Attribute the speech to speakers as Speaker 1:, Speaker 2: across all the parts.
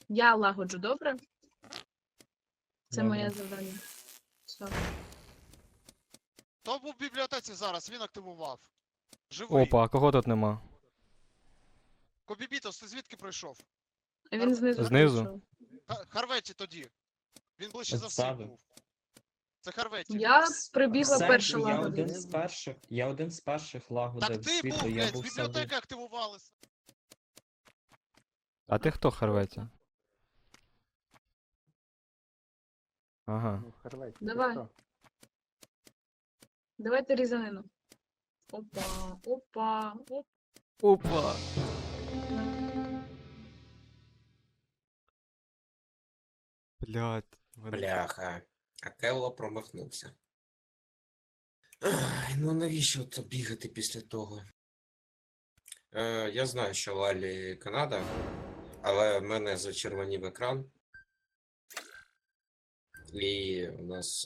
Speaker 1: Я лагоджу, добре? Це
Speaker 2: Добре.
Speaker 1: моє завдання. Все.
Speaker 3: Хто був в бібліотеці зараз? Він активував. Живий.
Speaker 4: Опа, а кого тут нема?
Speaker 3: Кобібітос, ти звідки прийшов?
Speaker 1: А він знизу.
Speaker 4: Знизу?
Speaker 1: прийшов.
Speaker 3: Харветі тоді. Він ближче за всіх
Speaker 2: Ззаду.
Speaker 3: був. Це Харветі.
Speaker 1: Я прибігла
Speaker 2: Все,
Speaker 1: перша
Speaker 2: я
Speaker 1: лагодити.
Speaker 2: один з перших
Speaker 3: Так
Speaker 2: лагодив
Speaker 3: ти
Speaker 2: світло,
Speaker 3: був,
Speaker 2: я
Speaker 3: блядь, з
Speaker 2: був
Speaker 3: бібліотеки активувалися.
Speaker 4: А ти хто, Харветі? Ага.
Speaker 1: Давай. Давайте різанину. Опа, опа, опа.
Speaker 4: Опа! Блядь.
Speaker 5: Бляха. А Келло промахнувся. Ай, ну навіщо це бігати після того? Я знаю, що Лалі Канада, але в мене зачервонів екран. І у нас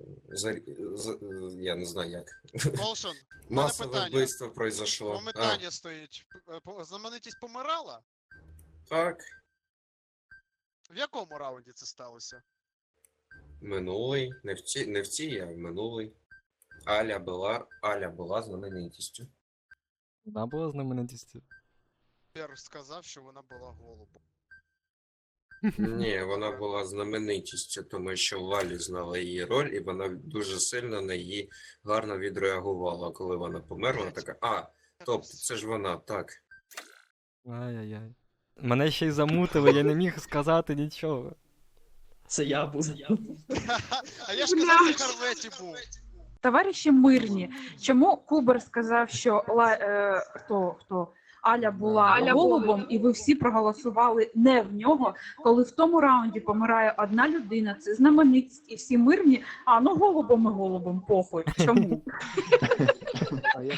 Speaker 5: я не знаю як.
Speaker 3: Колшин,
Speaker 5: Масове
Speaker 3: питання.
Speaker 5: вбивство произошло.
Speaker 3: Моментання стоїть. Знаменитість помирала?
Speaker 5: Так,
Speaker 3: В якому раунді це сталося?
Speaker 5: минулий. Не в цій, а в минулий. Аля була знаменитістю.
Speaker 4: Вона була знаменитістю.
Speaker 3: Пер сказав, що вона була голубом.
Speaker 5: Ні, вона була знаменитістю, тому що Лалі знала її роль, і вона дуже сильно на її гарно відреагувала. Коли вона померла, вона така, тобто це ж вона, так.
Speaker 4: Ай-яй-яй. Мене ще й замутили, я не міг сказати нічого.
Speaker 2: Це я був.
Speaker 3: А я ж казав, що Харветі був.
Speaker 6: Товариші мирні, чому Кубер сказав, що Аля була
Speaker 1: Аля
Speaker 6: голубом, і ви всі проголосували не в нього, коли в тому раунді помирає одна людина, це знаменитість, і всі мирні, голубом і голубом, похуй. Чому?